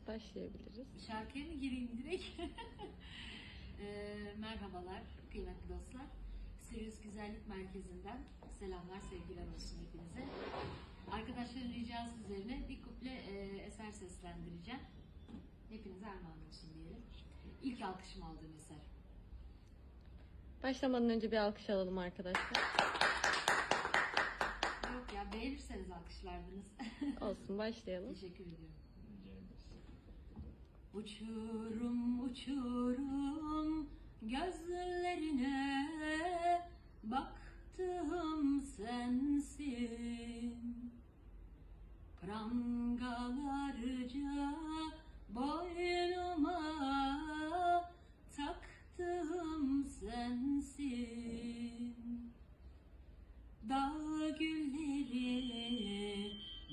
Başlayabiliriz. Şarkıya mı gireyim direkt? Merhabalar kıymetli dostlar. Sirius Güzellik Merkezi'nden selamlar, sevgiler olsun hepinize. Arkadaşların ricası üzerine bir kuple eser seslendireceğim. Hepinize armağan olsun diyelim. İlk alkışımı aldığım eser. Başlamadan önce bir alkış alalım arkadaşlar. Yok ya, beğenirseniz alkışlardınız. Olsun, başlayalım. Teşekkür ediyorum. Uçurum uçurum gözlerine baktım sensin, prangalarca boynuma taktım sensin. Dağ gülleri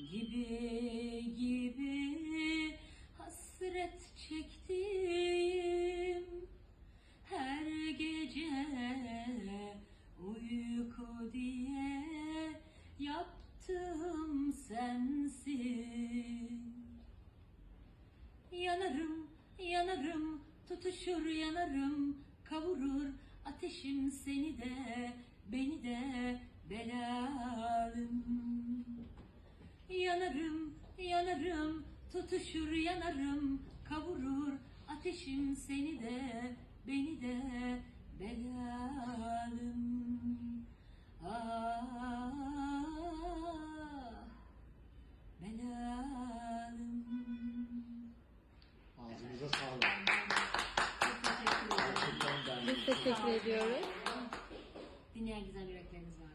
gibi hasret çektim her gece, uyku diye yaptım sensin. Yanarım yanarım tutuşur yanarım, kavurur ateşim seni de beni de belalım. Yanarım yanarım tutuşur yanarım, kavurur ateşim seni de beni de belalım. Ah belalım. Ağzınıza sağlık. Çok teşekkür ederim. Biz teşekkür ediyoruz. Dinleyen güzel yürekleriniz var.